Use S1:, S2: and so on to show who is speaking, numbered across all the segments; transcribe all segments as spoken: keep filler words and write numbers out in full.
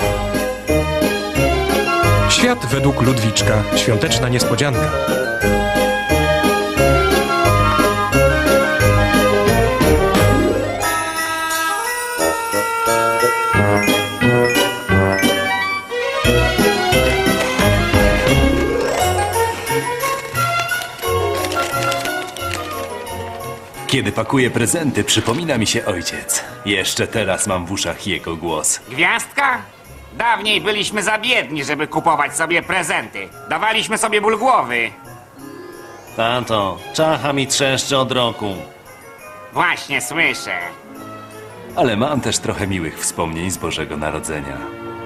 S1: Świat według Ludwiczka. Świąteczna niespodzianka.
S2: Kiedy pakuję prezenty, przypomina mi się ojciec. Jeszcze teraz mam w uszach jego głos.
S3: Gwiazdka? Dawniej byliśmy za biedni, żeby kupować sobie prezenty. Dawaliśmy sobie ból głowy.
S4: Tato, czacha mi trzeszczy od roku.
S3: Właśnie słyszę.
S2: Ale mam też trochę miłych wspomnień z Bożego Narodzenia.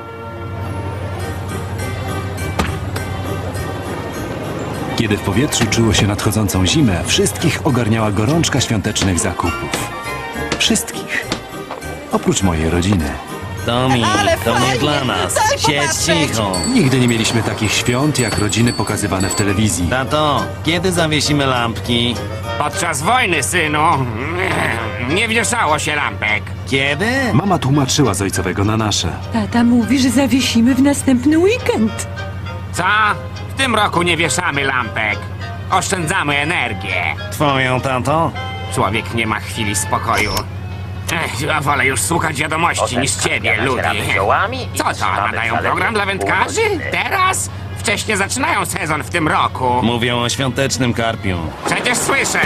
S2: Kiedy w powietrzu czuło się nadchodzącą zimę, wszystkich ogarniała gorączka świątecznych zakupów. Wszystkich. Oprócz mojej rodziny.
S4: Tomi,
S5: Ale
S4: to nie
S5: fajnie,
S4: dla nas.
S5: daj
S4: Siedź
S5: popatrzeć.
S4: cicho.
S2: Nigdy nie mieliśmy takich świąt, jak rodziny pokazywane w telewizji.
S4: Tato, kiedy zawiesimy lampki?
S3: Podczas wojny, synu, nie wieszało się lampek.
S4: Kiedy?
S2: Mama tłumaczyła z ojcowego na nasze.
S5: Tata mówi, że zawiesimy w następny weekend.
S3: Co? W tym roku nie wieszamy lampek. Oszczędzamy energię.
S4: Twoją, tato?
S3: Człowiek nie ma chwili spokoju. Ech, ja wolę już słuchać wiadomości niż ciebie, Ludi. Co to, nadają program dla wędkarzy? Teraz? Wcześniej zaczynają sezon w tym roku.
S4: Mówią o świątecznym karpiu.
S3: Przecież słyszę.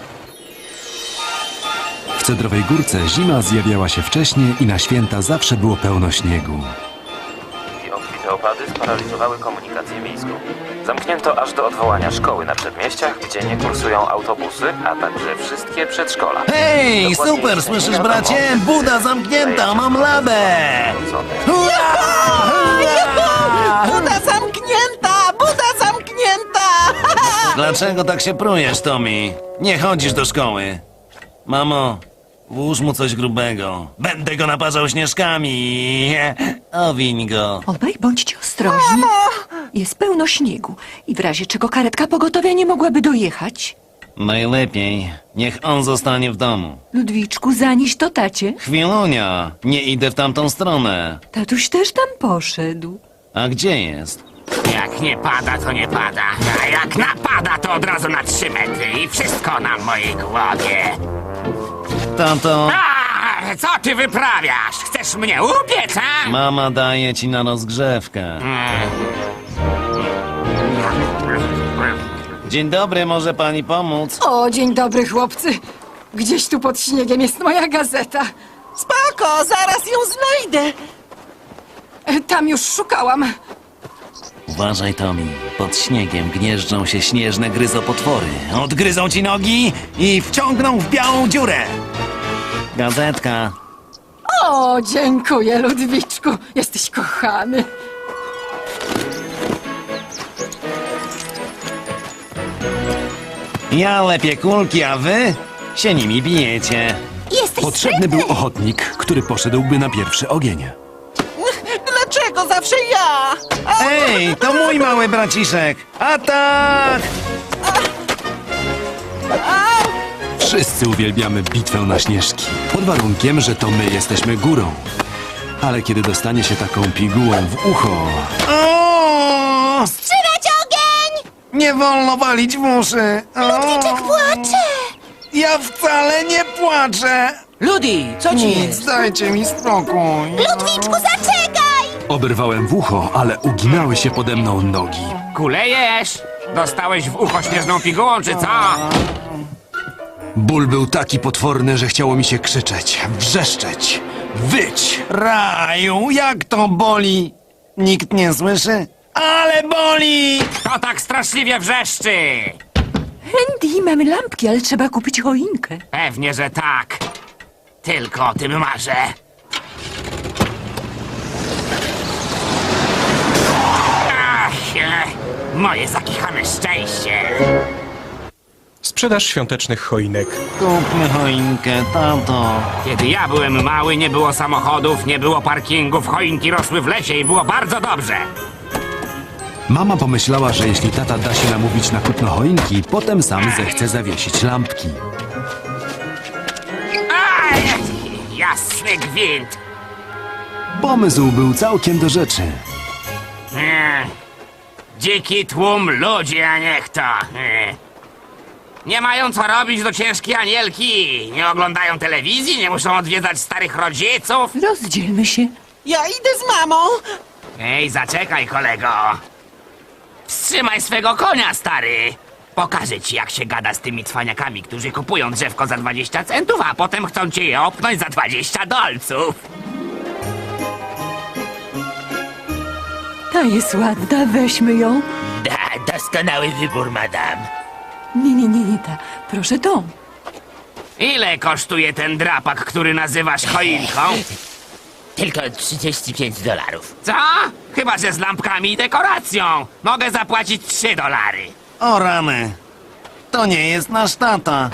S2: W Cedrowej Górce zima zjawiała się wcześniej i na święta zawsze było pełno śniegu.
S6: Obfite opady sparaliżowały komunikację miejską. Zamknięto aż do odwołania szkoły na przedmieściach, gdzie nie kursują autobusy, a także wszystkie przedszkola.
S4: Hej,
S6: Dokładnie
S4: super,
S6: nie
S4: słyszysz,
S6: wiadomo,
S4: bracie?
S6: kiedy
S4: Buda zamknięta, mam labę!
S5: Buda zamknięta! Buda zamknięta!
S4: Dlaczego tak się prujesz, Tomi? Nie chodzisz do szkoły. Mamo, włóż mu coś grubego. Będę go naparzał śnieżkami. Owiń go.
S5: Obaj bądźcie ostrożni. Jest pełno śniegu i w razie czego karetka pogotowia nie mogłaby dojechać.
S4: Najlepiej, niech on zostanie w domu.
S5: Ludwiczku, zanieś to tacie.
S4: Chwilunia, nie idę w tamtą stronę.
S5: Tatuś też tam poszedł.
S4: A gdzie jest?
S3: Jak nie pada, to nie pada. A jak napada, to od razu na trzy metry. I wszystko na mojej głowie.
S4: Tato,
S3: A, co ty wyprawiasz? Chcesz mnie upiec, a?
S4: mama daje ci na rozgrzewkę. Dzień dobry, może pani pomóc?
S7: O, dzień dobry, chłopcy. Gdzieś tu pod śniegiem jest moja gazeta.
S5: Spoko, zaraz ją znajdę.
S7: E, Tam już szukałam.
S4: Uważaj, Tomi. Pod śniegiem gnieżdżą się śnieżne gryzopotwory. Odgryzą ci nogi i wciągną w białą dziurę. Gazetka.
S7: O, dziękuję, Ludwiczku. Jesteś kochany.
S4: Ja lepię kulki, a wy się nimi bijecie.
S5: Jesteś
S2: Potrzebny był ochotnik, który poszedłby na pierwszy ogień.
S5: Dlaczego zawsze ja?
S4: Ej, to mój mały braciszek. Atak!
S2: Wszyscy uwielbiamy bitwę na śnieżki, pod warunkiem, że to my jesteśmy górą. Ale kiedy dostanie się taką pigułą w ucho...
S4: O!
S5: Trzymać ogień!
S4: Nie wolno walić w uszy.
S5: Ludwiczek płacze!
S4: Ja wcale nie płaczę.
S5: Ludi, co ci jest?
S4: Dajcie mi spokój.
S5: Ludwiczku, zaczekaj!
S2: Oberwałem w ucho, ale uginały się pode mną nogi.
S3: Kulejesz? Dostałeś w ucho śnieżną pigułą, czy co?
S2: Ból był taki potworny, że chciało mi się krzyczeć, wrzeszczeć, wyć.
S4: Raju, jak to boli? Nikt nie słyszy? Ale boli!
S3: Kto tak straszliwie wrzeszczy?
S5: Andy, mamy lampki, ale trzeba kupić choinkę.
S3: Pewnie, że tak. Tylko o tym marzę. Ach, e, moje zakichane szczęście.
S1: Sprzedaż świątecznych choinek.
S4: Kupmy choinkę, tato.
S3: Kiedy ja byłem mały, nie było samochodów, nie było parkingów, choinki rosły w lesie i było bardzo dobrze.
S2: Mama pomyślała, że jeśli tata da się namówić na kupno choinki, potem sam zechce zawiesić lampki.
S3: Aj, jasny gwint.
S2: Pomysł był całkiem do rzeczy.
S3: Ech, dziki tłum ludzi, a nie kto. Ech. Nie mają co robić do ciężkiej anielki. Nie oglądają telewizji, nie muszą odwiedzać starych rodziców.
S5: Rozdzielmy się.
S8: Ja idę z mamą.
S3: Ej, zaczekaj, kolego. Wstrzymaj swego konia, stary. Pokażę ci, jak się gada z tymi cwaniakami, którzy kupują drzewko za dwadzieścia centów, a potem chcą cię je opnąć za dwadzieścia dolców.
S5: Ta jest ładna, weźmy ją.
S9: Da, doskonały wybór, madam.
S5: Nie, nie, nie, nie ta. Proszę tą.
S3: Ile kosztuje ten drapak, który nazywasz choinką?
S9: Tylko trzydzieści pięć dolarów.
S3: Co? Chyba, że z lampkami i dekoracją. Mogę zapłacić trzy dolary.
S4: O rany. To nie jest nasz tata.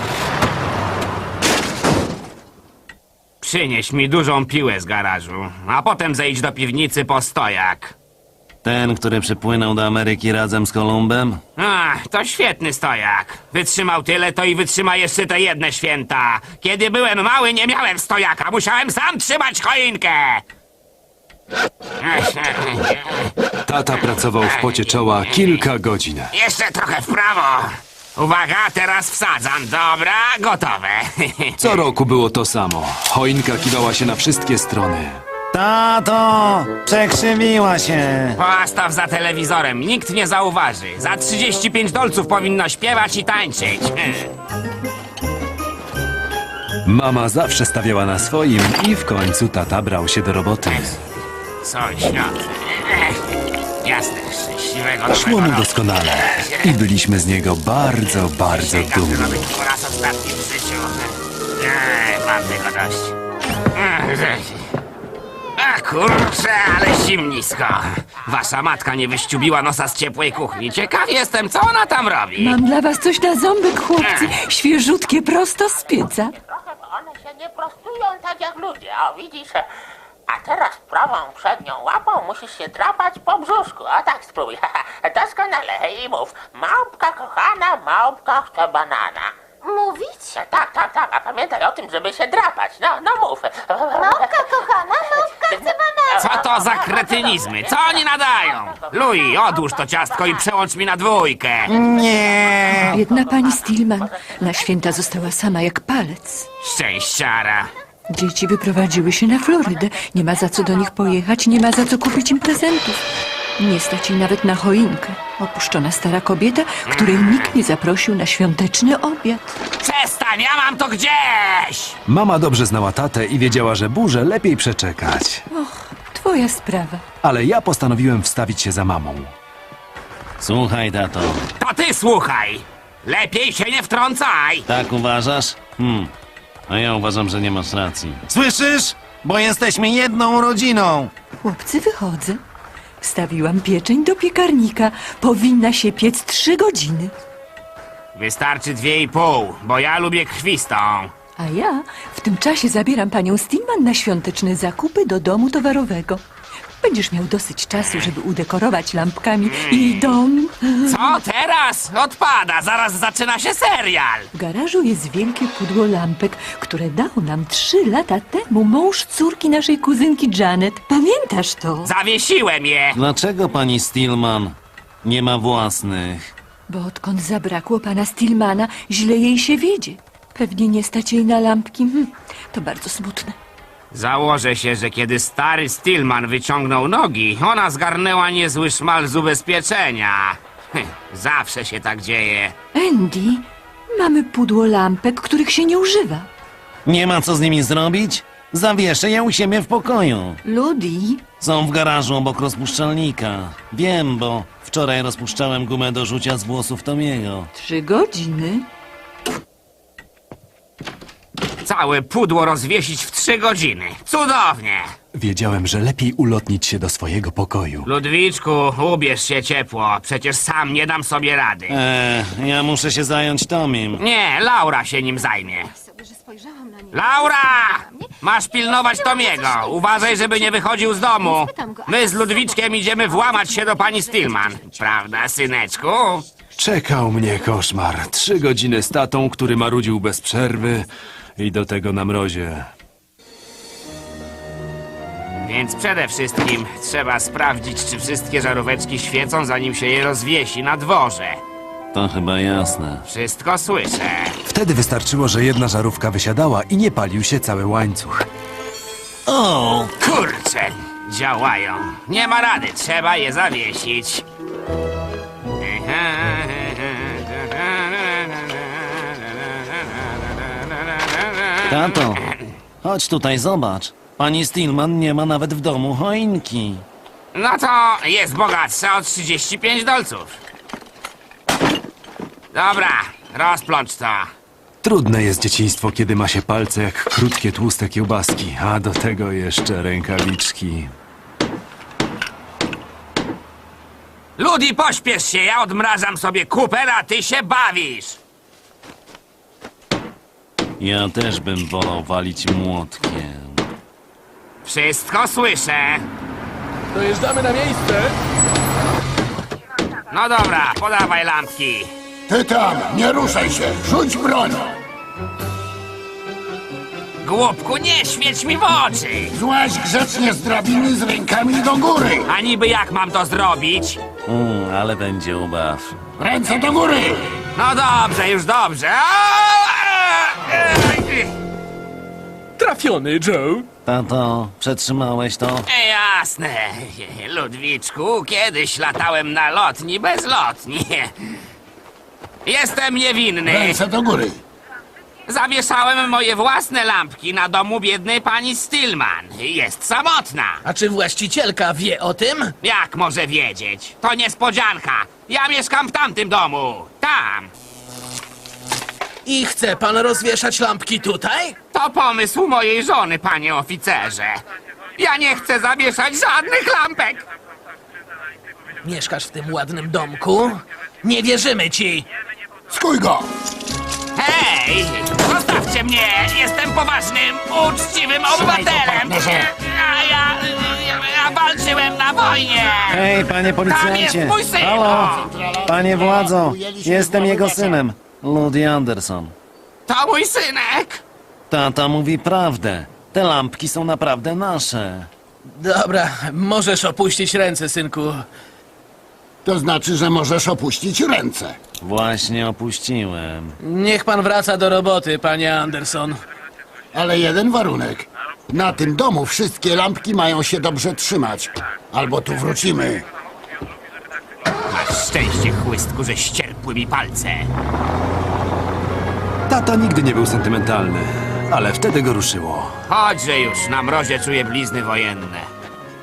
S3: Przynieś mi dużą piłę z garażu, a potem zejdź do piwnicy po stojak.
S4: Ten, który przypłynął do Ameryki razem z Kolumbem?
S3: Ach, to świetny stojak. Wytrzymał tyle, to i wytrzyma jeszcze te jedne święta. Kiedy byłem mały, nie miałem stojaka. Musiałem sam trzymać choinkę.
S2: Tata pracował w pocie czoła kilka godzin.
S3: Jeszcze trochę w prawo. Uwaga, teraz wsadzam. Dobra, gotowe.
S2: Co roku było to samo. Choinka kiwała się na wszystkie strony.
S4: Tato! Przekrzywiła się.
S3: Postaw za telewizorem, nikt nie zauważy. Za trzydzieści pięć dolców powinno śpiewać i tańczyć.
S2: Mama zawsze stawiała na swoim i w końcu tata brał się do roboty.
S3: Sąsiad. Jasne, szczęśliwego
S2: Szło mu
S3: nowego roku.
S2: doskonale i byliśmy z niego bardzo, bardzo
S3: Sięgam
S2: dumni.
S3: zrobić po raz ostatni w życiu. Ej, mam tego dość. A kurczę, ale zimnisko. Wasza matka nie wyściubiła nosa z ciepłej kuchni. Ciekaw jestem, co ona tam robi.
S5: Mam dla was coś na ząbek, chłopcy. Świeżutkie, prosto z pieca.
S10: Trochę, bo one się nie prostują tak jak ludzie, o widzisz? A teraz prawą przednią łapą musisz się drapać po brzuszku. A tak spróbuj. Doskonale i mów. Małpka kochana, małpka chce banana. Mówić? Tak, tak, tak. A pamiętaj o tym, żeby się drapać. No, no mów. Małpka kochana, małpka chce banana.
S3: Co to za kretynizmy? Co oni nadają? Louis, odłóż to ciastko i przełącz mi na dwójkę.
S4: Nie.
S5: Biedna pani Stillman. Na święta została sama jak palec.
S3: Szczęściara.
S5: Dzieci wyprowadziły się na Florydę. Nie ma za co do nich pojechać, nie ma za co kupić im prezentów. Nie stać jej nawet na choinkę. Opuszczona stara kobieta, której nikt nie zaprosił na świąteczny obiad.
S3: Przestań, ja mam to gdzieś!
S2: Mama dobrze znała tatę i wiedziała, że burzę lepiej przeczekać.
S5: Och, twoja sprawa.
S2: Ale ja postanowiłem wstawić się za mamą.
S4: Słuchaj, tato.
S3: To ty słuchaj! Lepiej się nie wtrącaj!
S4: Tak uważasz? Hmm. A ja uważam, że nie masz racji. Słyszysz? Bo jesteśmy jedną rodziną.
S5: Chłopcy, wychodzę. Wstawiłam pieczeń do piekarnika. Powinna się piec trzy godziny.
S3: Wystarczy dwie i pół, bo ja lubię krwistą.
S5: A ja w tym czasie zabieram panią Stillman na świąteczne zakupy do domu towarowego. Będziesz miał dosyć czasu, żeby udekorować lampkami jej dom.
S3: Co teraz? Odpada, zaraz zaczyna się serial.
S5: W garażu jest wielkie pudło lampek, które dał nam trzy lata temu mąż córki naszej kuzynki Janet. Pamiętasz to?
S3: Zawiesiłem je.
S4: Dlaczego pani Stillman nie ma własnych?
S5: Bo odkąd zabrakło pana Stillmana, źle jej się wiedzie. Pewnie nie stać jej na lampki. Hm, to bardzo smutne.
S3: Założę się, że kiedy stary Stillman wyciągnął nogi, ona zgarnęła niezły szmal z ubezpieczenia. Hm, zawsze się tak dzieje.
S5: Andy, mamy pudło lampek, których się nie używa.
S4: Nie ma co z nimi zrobić? Zawieszę je u siebie w pokoju.
S5: Ludi,
S4: Są w garażu obok rozpuszczalnika. Wiem, bo wczoraj rozpuszczałem gumę do rzucia z włosów Tomiego.
S5: trzy godziny.
S3: Całe pudło rozwiesić w trzy godziny. Cudownie!
S2: Wiedziałem, że lepiej ulotnić się do swojego pokoju.
S3: Ludwiczku, ubierz się ciepło. Przecież sam nie dam sobie rady.
S4: Eee, ja muszę się zająć Tomim.
S3: Nie, Laura się nim zajmie. Laura! Masz pilnować Tomiego. Uważaj, żeby nie wychodził z domu. My z Ludwiczkiem idziemy włamać się do pani Stillman. Prawda, syneczku?
S2: Czekał mnie koszmar. Trzy godziny z tatą, który marudził bez przerwy i do tego na mrozie.
S3: Więc przede wszystkim trzeba sprawdzić, czy wszystkie żaróweczki świecą, zanim się je rozwiesi na dworze.
S4: To chyba jasne.
S3: Wszystko słyszę.
S2: Wtedy wystarczyło, że jedna żarówka wysiadała i nie palił się cały łańcuch.
S4: O!
S3: Kurczę, działają. Nie ma rady, trzeba je zawiesić.
S4: Tato, chodź tutaj, zobacz. Pani Stillman nie ma nawet w domu choinki.
S3: No to jest bogatsza o trzydzieści pięć dolców. Dobra, rozplącz to.
S2: Trudne jest dzieciństwo, kiedy ma się palce jak krótkie, tłuste kiełbaski, a do tego jeszcze rękawiczki.
S3: Ludi, pośpiesz się, ja odmrażam sobie kuper, a ty się bawisz.
S4: Ja też bym wolał walić młotkiem.
S3: Wszystko słyszę.
S8: Dojeżdżamy na miejsce.
S3: No dobra, podawaj lampki.
S11: Ty tam, nie ruszaj się, rzuć broń!
S3: Głupku, nie świeć mi w oczy.
S11: Złaź grzecznie z drabiny z rękami do góry!
S3: A niby jak mam to zrobić?
S4: Mm, ale będzie ubaw.
S11: Ręce do góry!
S3: No dobrze, już dobrze.
S8: Trafiony, Joe.
S4: Tato, przetrzymałeś to?
S3: E, Jasne, Ludwiczku, kiedyś latałem na lotni bezlotni. Jestem niewinny.
S11: Ręce do góry!
S3: Zawieszałem moje własne lampki na domu biednej pani Stillman. Jest samotna.
S8: A czy właścicielka wie o tym?
S3: Jak może wiedzieć? To niespodzianka. Ja mieszkam w tamtym domu. Tam.
S8: I chce pan rozwieszać lampki tutaj?
S3: To pomysł mojej żony, panie oficerze. Ja nie chcę zawieszać żadnych lampek.
S8: Mieszkasz w tym ładnym domku? Nie wierzymy ci.
S11: Skuj go!
S3: Hej! Zostawcie mnie! Jestem poważnym, uczciwym obywatelem!
S11: partnerze.
S3: A ja, ja, ja walczyłem na wojnie!
S4: Hej, panie
S3: Tam jest
S4: policjancie!
S3: mój syn!
S4: Halo! Panie władzo! Jestem jego synem, Ludi Anderson.
S3: To mój synek!
S4: Tata mówi prawdę. Te lampki są naprawdę nasze.
S8: Dobra, możesz opuścić ręce, synku.
S11: To znaczy, że możesz opuścić ręce.
S4: Właśnie opuściłem.
S8: Niech pan wraca do roboty, panie Anderson.
S11: Ale jeden warunek. Na tym domu wszystkie lampki mają się dobrze trzymać. Albo tu wrócimy.
S3: Masz szczęście, chłystku, że ścierpły mi palce.
S2: Tata nigdy nie był sentymentalny, ale wtedy go ruszyło.
S3: Chodźże już, na mrozie czuję blizny wojenne.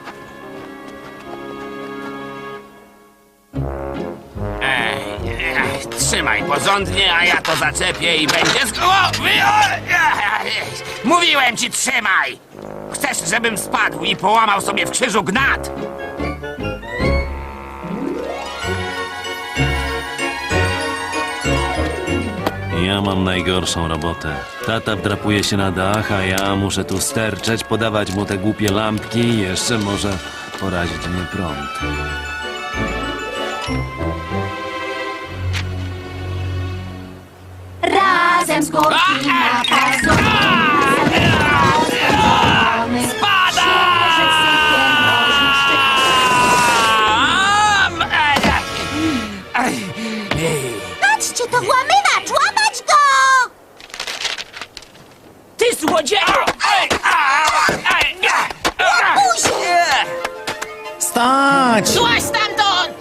S3: Ej, ej, trzymaj porządnie, a ja to zaczepię i będzie z głowy. Mówiłem ci, trzymaj! Chcesz, żebym spadł i połamał sobie w krzyżu gnat?
S4: Ja mam najgorszą robotę. Tata wdrapuje się na dach, a ja muszę tu sterczeć, podawać mu te głupie lampki i jeszcze może porazić mnie prąd.
S12: Razem z górki na pazu.
S10: Patrzcie, to włamywacz! Łamać go!
S3: Ty złodzieju!
S4: Stać!
S10: Złaź stamtąd!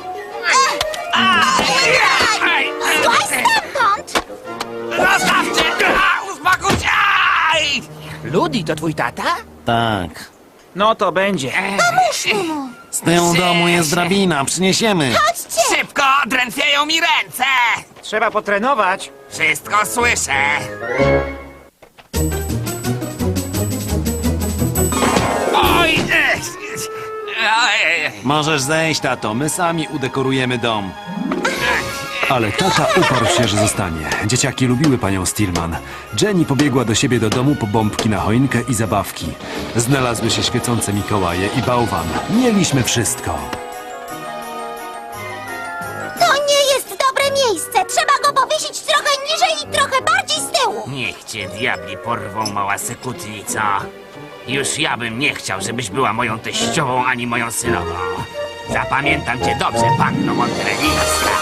S10: Złaź stamtąd!
S3: Zostawcie! Uspokój się!
S9: Ludi, to twój tata?
S4: Tak.
S9: No to będzie.
S10: Pomóżmy mu!
S4: Z tyłu domu jest drabina, przyniesiemy.
S10: Chodźcie!
S3: Szybko! Drętwieją mi ręce!
S9: Trzeba potrenować.
S3: Wszystko słyszę. Oj! Oj!
S4: Możesz zejść, tato, my sami udekorujemy dom.
S2: Ale tata uparł się, że zostanie. Dzieciaki lubiły panią Stillman. Jenny pobiegła do siebie do domu po bombki na choinkę i zabawki. Znalazły się świecące Mikołaje i bałwan. Mieliśmy wszystko.
S10: To nie jest dobre miejsce! Trzeba go powiesić trochę niżej i trochę bardziej z tyłu!
S3: Niech cię diabli porwą, mała sekutnica. Już ja bym nie chciał, żebyś była moją teściową ani moją synową. Zapamiętam cię dobrze, panno Monterelińska.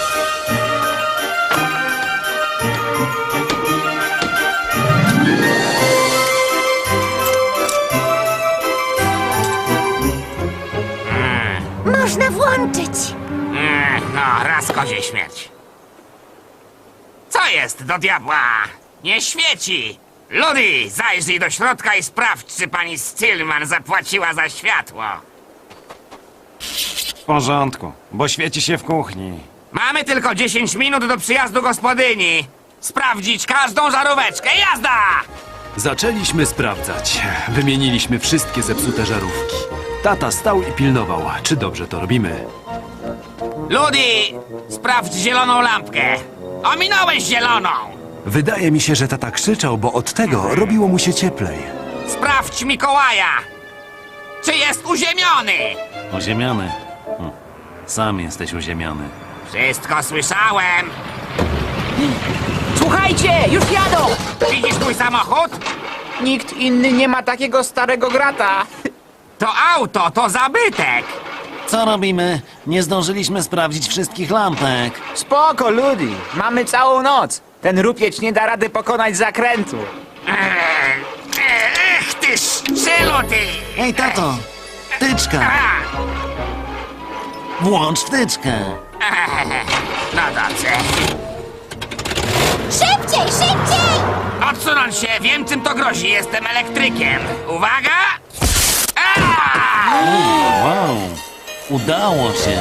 S12: Można włączyć.
S3: Mm, no, raz kozie śmierć. Co jest do diabła? Nie świeci! Ludy, zajrzyj do środka i sprawdź, czy pani Stillman zapłaciła za światło.
S4: W porządku, bo świeci się w kuchni.
S3: Mamy tylko dziesięć minut do przyjazdu gospodyni. Sprawdzić każdą żaróweczkę. Jazda!
S2: Zaczęliśmy sprawdzać. Wymieniliśmy wszystkie zepsute żarówki. Tata stał i pilnował, czy dobrze to robimy.
S3: Ludy, sprawdź zieloną lampkę. Ominąłeś zieloną.
S2: Wydaje mi się, że tata krzyczał, bo od tego robiło mu się cieplej.
S3: Sprawdź Mikołaja. Czy jest uziemiony?
S4: Uziemiony? Hm. Sam jesteś uziemiony.
S3: Wszystko słyszałem.
S9: Słuchajcie, już jadą!
S3: Widzisz mój samochód?
S9: Nikt inny nie ma takiego starego grata.
S3: To auto, to zabytek.
S4: Co robimy? Nie zdążyliśmy sprawdzić wszystkich lampek.
S9: Spoko, Ludi. Mamy całą noc. Ten rupieć nie da rady pokonać zakrętu.
S3: Ech, ech ty szczelu, ty!
S4: Ej, tato! Wtyczka!
S3: A,
S4: Włącz wtyczkę!
S3: ech, no dobrze.
S12: Szybciej, szybciej!
S3: Odsunąć się, wiem czym to grozi, jestem elektrykiem. Uwaga! A!
S4: Wow! Udało się!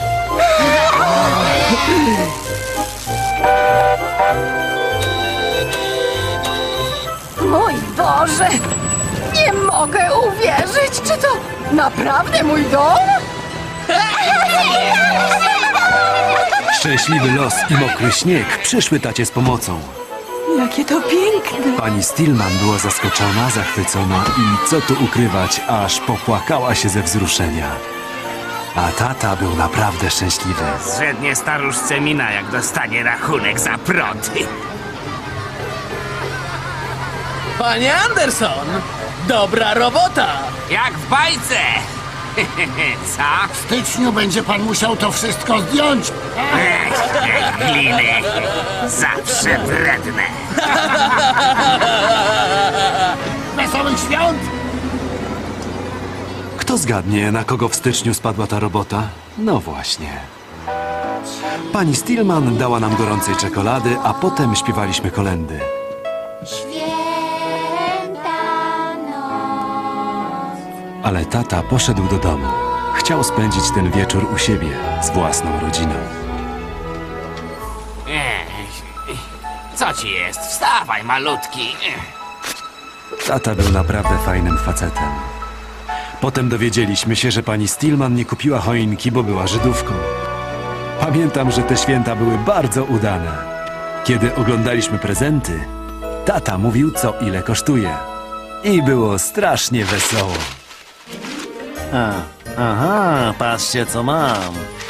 S7: Mój Boże! Nie mogę uwierzyć! Czy to naprawdę mój dom?
S2: Szczęśliwy los i mokry śnieg przyszły tacie z pomocą.
S5: Jakie to piękne!
S2: Pani Stillman była zaskoczona, zachwycona i co tu ukrywać, aż popłakała się ze wzruszenia. A tata był naprawdę szczęśliwy.
S3: Zrzednie staruszce mina, jak dostanie rachunek za prąd.
S8: Panie Anderson! Dobra robota!
S3: Jak w bajce! Co?
S11: W styczniu będzie pan musiał to wszystko zdjąć.
S3: Ech, gliny. Zawsze wredne.
S11: Wesołych świąt!
S2: Kto zgadnie, na kogo w styczniu spadła ta robota? No właśnie. Pani Stillman dała nam gorącej czekolady, a potem śpiewaliśmy kolędy.
S12: Święta noc.
S2: Ale tata poszedł do domu. Chciał spędzić ten wieczór u siebie, z własną rodziną.
S3: Ech, co ci jest? Wstawaj, malutki.
S2: Tata był naprawdę fajnym facetem. Potem dowiedzieliśmy się, że pani Stillman nie kupiła choinki, bo była Żydówką. Pamiętam, że te święta były bardzo udane. Kiedy oglądaliśmy prezenty, tata mówił, co ile kosztuje. I było strasznie wesoło.
S4: A, aha, patrzcie co mam.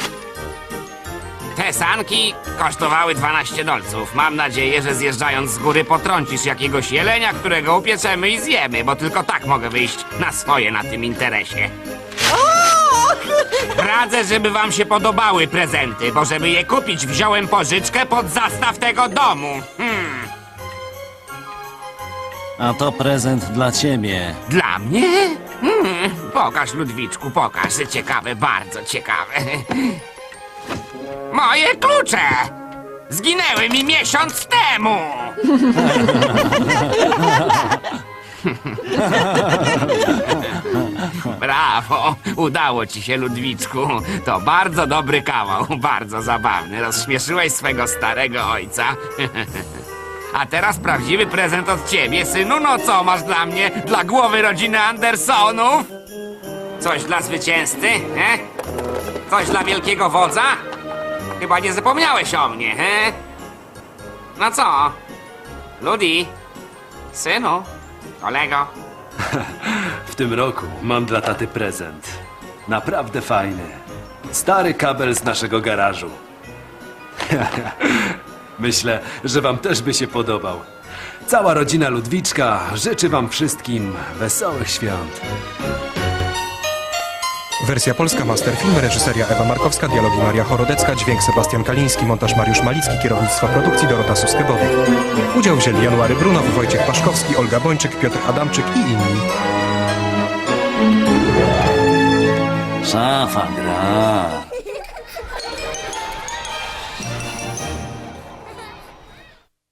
S3: Te sanki kosztowały dwanaście dolców. Mam nadzieję, że zjeżdżając z góry potrącisz jakiegoś jelenia, którego upieczemy i zjemy, bo tylko tak mogę wyjść na swoje na tym interesie. Radzę, żeby wam się podobały prezenty, bo żeby je kupić, wziąłem pożyczkę pod zastaw tego domu. Hmm.
S4: A to prezent dla ciebie.
S3: Dla mnie? Hmm. Pokaż, Ludwiczku, pokaż. Ciekawe, bardzo ciekawe. Moje klucze! Zginęły mi miesiąc temu! Brawo! Udało ci się, Ludwiczku. To bardzo dobry kawał, bardzo zabawny. Rozśmieszyłeś swego starego ojca. A teraz prawdziwy prezent od ciebie, synu. No co masz dla mnie? Dla głowy rodziny Andersonów? Coś dla zwycięzcy, he? Coś dla wielkiego wodza? Chyba nie zapomniałeś o mnie, he? No co? Ludi? Synu? Kolego?
S2: W tym roku mam dla taty prezent. Naprawdę fajny. Stary kabel z naszego garażu. Myślę, że wam też by się podobał. Cała rodzina Ludwiczka życzy wam wszystkim wesołych świąt.
S1: Wersja polska, Masterfilm, reżyseria Ewa Markowska, dialogi Maria Chorodecka, dźwięk Sebastian Kaliński, montaż Mariusz Malicki, kierownictwo produkcji Dorota Suskebody. Udział wzięli January Brunow, Wojciech Paszkowski, Olga Bończyk, Piotr Adamczyk i inni.
S4: Szafa gra.